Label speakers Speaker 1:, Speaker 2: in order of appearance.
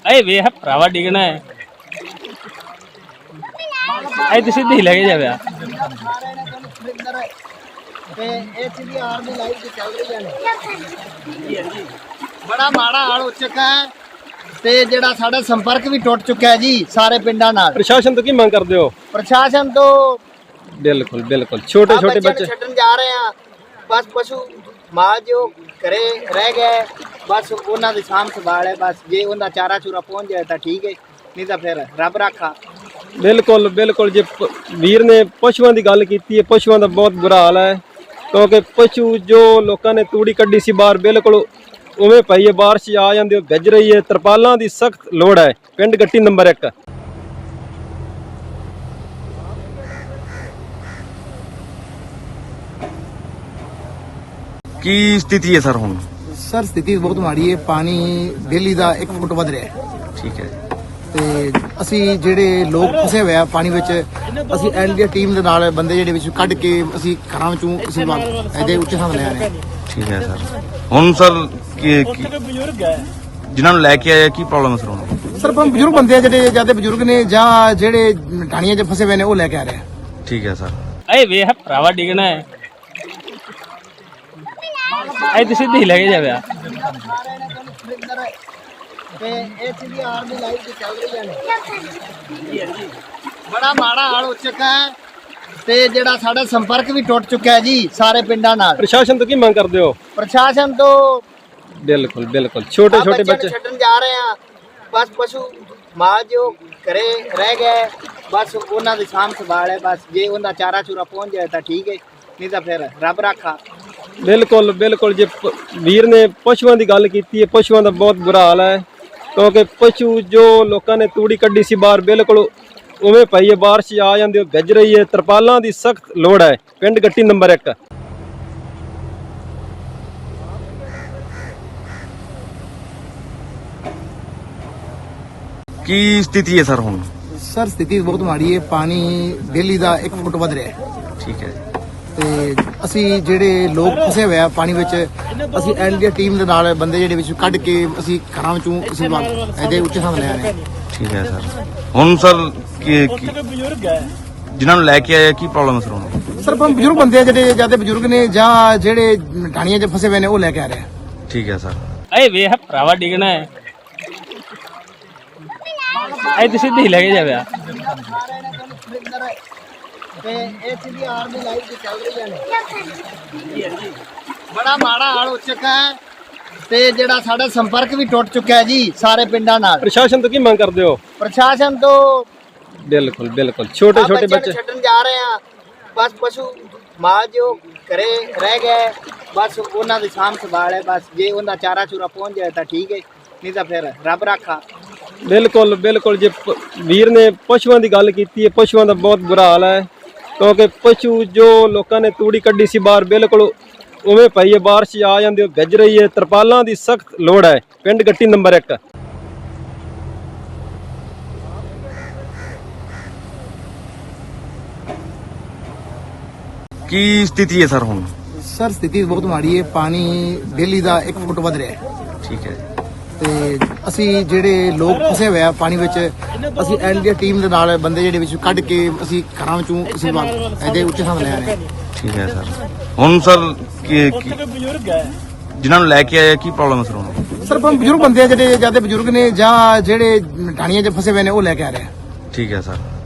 Speaker 1: अरे वे भरावा डिगना है अरे तो सीधे ही लगे जावे
Speaker 2: बड़ा माड़ा हाल हो चुका है ते जेड़ा साडा संपर्क भी टुट चुका है जी सारे पिंडां नाल।
Speaker 3: प्रशासन तो की मांग करते हो?
Speaker 2: प्रशासन तो
Speaker 3: बिल्कुल बिल्कुल छोटे छोटे बच्चे
Speaker 2: छड्डन जा रहे हैं, बस पशु माल जो घरे रह गए बस उन्हां दी साम संभाल है, बस जे उनका चारा चूरा पहुंच जाए तो ठीक है, नहीं तो फिर रब राखा।
Speaker 3: बिल्कुल बिल्कुल जे वीर ने पशुओं की गल की है, पशुओं का बहुत बुरा हाल है क्योंकि पशु जो लोगों ने तूड़ी कड्डी सी बाहर बिल्कुल उवें पई है, बारिश आ जाती भिज रही है, तरपालों की सख्त लोड़ है। पिंड गट्टी नंबर 1।
Speaker 4: की स्थिति है सर हुण?
Speaker 5: सर स्थिति बहुत माड़ी है, पानी डेली का 1 फुट वध रहा है।
Speaker 4: ठीक है
Speaker 5: ਤੇ ਅਸੀਂ ਜਿਹੜੇ ਲੋਕ ਫਸੇ ਹੋਏ ਆ ਪਾਣੀ ਵਿੱਚ, ਅਸੀਂ ਐਨਡੀਆ ਟੀਮ ਦੇ ਨਾਲ ਬੰਦੇ ਜਿਹੜੇ ਵਿੱਚ ਕੱਢ ਕੇ ਅਸੀਂ ਘਰਾਂ ਵਿੱਚੋਂ ਅਸੀਂ ਇਹਦੇ ਉੱਚੇ ਥਾਂ ਲੈ ਆ ਰਹੇ ਹਾਂ।
Speaker 4: ਠੀਕ ਹੈ ਸਰ। ਹੁਣ ਸਰ ਜਿਨ੍ਹਾਂ ਨੂੰ ਲੈ ਕੇ ਆਏ ਕੀ ਪ੍ਰੋਬਲਮ ਹੈ ਸਰ ਹੁਣ?
Speaker 5: ਸਰ ਆਪਾਂ ਬਜ਼ੁਰਗ ਬੰਦੇ ਆ ਜਿਹੜੇ ਜਿਆਦਾ ਬਜ਼ੁਰਗ ਨੇ ਜਾਂ ਜਿਹੜੇ ਢਾਣੀਆਂ 'ਚ ਫਸੇ ਹੋਏ ਨੇ ਉਹ ਲੈ ਕੇ ਆ ਰਹੇ ਆ।
Speaker 4: ਠੀਕ ਹੈ ਸਰ।
Speaker 1: अरे वे भरावा डिगना है अरे तो सीधे ही लगे जावे
Speaker 2: बड़ा माड़ा हाल हो चुका है ते जेड़ा साडा संपर्क भी टुट चुका है जी सारे पिंडां नाल।
Speaker 3: प्रशासन तो की मांग करते हो?
Speaker 2: प्रशासन तो
Speaker 3: बिल्कुल बिल्कुल छोटे छोटे बच्चे
Speaker 2: छड्डन जा रहे हैं, बस पशु माल जो घरे रह गए बस उन्हां दी साम संभाल है, बस जे उनका चारा चूरा पहुंच जाए तो ठीक है, नहीं तो फिर रब राखा।
Speaker 3: बिल्कुल बिल्कुल जे वीर ने पशुओं की गल की है, पशुओं का बहुत बुरा हाल है क्योंकि पशु जो लोगों ने तूड़ी कड्डी सी बाहर बिल्कुल उवें पई है, बारिश आ जाती भिज रही है, तरपालों की सख्त लोड़ है। पिंड गट्टी नंबर 1।
Speaker 4: की स्थिति है सर हुण?
Speaker 5: ਸਰ ਸਥਿਤੀ ਬਹੁਤ ਮਾੜੀ ਹੈ, ਪਾਣੀ ਡੇਲੀ ਦਾ 1 ਫੁਟ ਵਧ ਰਿਹਾ ਹੈ।
Speaker 4: ਠੀਕ ਹੈ
Speaker 5: ਤੇ ਅਸੀਂ ਜਿਹੜੇ ਲੋਕ ਫਸੇ ਹੋਏ ਆ ਪਾਣੀ ਵਿੱਚ, ਅਸੀਂ ਐਨਡੀਆ ਟੀਮ ਦੇ ਨਾਲ ਬੰਦੇ ਜਿਹੜੇ ਵਿੱਚ ਕੱਢ ਕੇ ਅਸੀਂ ਘਰਾਂ ਵਿੱਚੋਂ ਅਸੀਂ ਇਹਦੇ ਉੱਚੇ ਥਾਂ ਲੈ ਆ ਰਹੇ ਹਾਂ।
Speaker 4: ਠੀਕ ਹੈ ਸਰ। ਹੁਣ ਸਰ ਜਿਨ੍ਹਾਂ ਨੂੰ ਲੈ ਕੇ ਆਏ ਕੀ ਪ੍ਰੋਬਲਮ ਹੈ ਸਰ ਹੁਣ?
Speaker 5: ਸਰ ਆਪਾਂ ਬਜ਼ੁਰਗ ਬੰਦੇ ਆ ਜਿਹੜੇ ਜਿਆਦਾ ਬਜ਼ੁਰਗ ਨੇ ਜਾਂ ਜਿਹੜੇ ਢਾਣੀਆਂ 'ਚ ਫਸੇ ਹੋਏ ਨੇ ਉਹ ਲੈ ਕੇ ਆ ਰਹੇ ਆ।
Speaker 4: ਠੀਕ ਹੈ ਸਰ।
Speaker 1: अरे वे भरावा डिगना है अरे तो सीधे ही लगे जावे
Speaker 2: बड़ा माड़ा हाल हो चुका है ते जेड़ा साडा संपर्क भी टुट चुका है जी सारे पिंडां नाल।
Speaker 3: प्रशासन तो की मांग करते हो?
Speaker 2: प्रशासन तो
Speaker 3: बिल्कुल बिल्कुल छोटे छोटे बच्चे
Speaker 2: छड्डन जा रहे हैं, बस पशु माल जो घरे रह गए बस उन्हां दी साम संभाल है, बस जे उनका चारा चूरा पहुंच जाए तो ठीक है, नहीं तो फिर रब राखा।
Speaker 3: बिल्कुल बिल्कुल जे वीर ने पशुओं की गल की है, पशुओं का बहुत बुरा हाल है क्योंकि पशु जो लोगों ने तूड़ी कड्डी सी बाहर बिल्कुल उवें पई है, बारिश आ जाती भिज रही है, तरपालों की सख्त लोड़ है। पिंड गट्टी नंबर 1।
Speaker 4: की स्थिति है सर हुण?
Speaker 5: ਸਰ ਸਥਿਤੀ ਬਹੁਤ ਮਾੜੀ ਹੈ, ਪਾਣੀ ਡੇਲੀ ਦਾ 1 ਫੁਟ ਵਧ ਰਿਹਾ ਹੈ।
Speaker 4: ਠੀਕ ਹੈ
Speaker 5: ਤੇ ਅਸੀਂ ਜਿਹੜੇ ਲੋਕ ਫਸੇ ਹੋਏ ਆ ਪਾਣੀ ਵਿੱਚ, ਅਸੀਂ ਐਨਡੀਆ ਟੀਮ ਦੇ ਨਾਲ ਬੰਦੇ ਜਿਹੜੇ ਵਿੱਚ ਕੱਢ ਕੇ ਅਸੀਂ ਘਰਾਂ ਵਿੱਚੋਂ ਅਸੀਂ ਇਹਦੇ ਉੱਚੇ ਥਾਂ ਲੈ ਆ ਰਹੇ ਹਾਂ।
Speaker 4: ਠੀਕ ਹੈ ਸਰ। ਹੁਣ ਸਰ ਜਿਨ੍ਹਾਂ ਨੂੰ ਲੈ ਕੇ ਆਏ ਕੀ ਪ੍ਰੋਬਲਮ ਹੈ ਸਰ ਹੁਣ?
Speaker 5: ਸਰ ਆਪਾਂ ਬਜ਼ੁਰਗ ਬੰਦੇ ਆ ਜਿਹੜੇ ਜਿਆਦਾ ਬਜ਼ੁਰਗ ਨੇ ਜਾਂ ਜਿਹੜੇ ਢਾਣੀਆਂ 'ਚ ਫਸੇ ਹੋਏ ਨੇ ਉਹ ਲੈ ਕੇ ਆ ਰਹੇ ਆ।
Speaker 4: ਠੀਕ ਹੈ ਸਰ।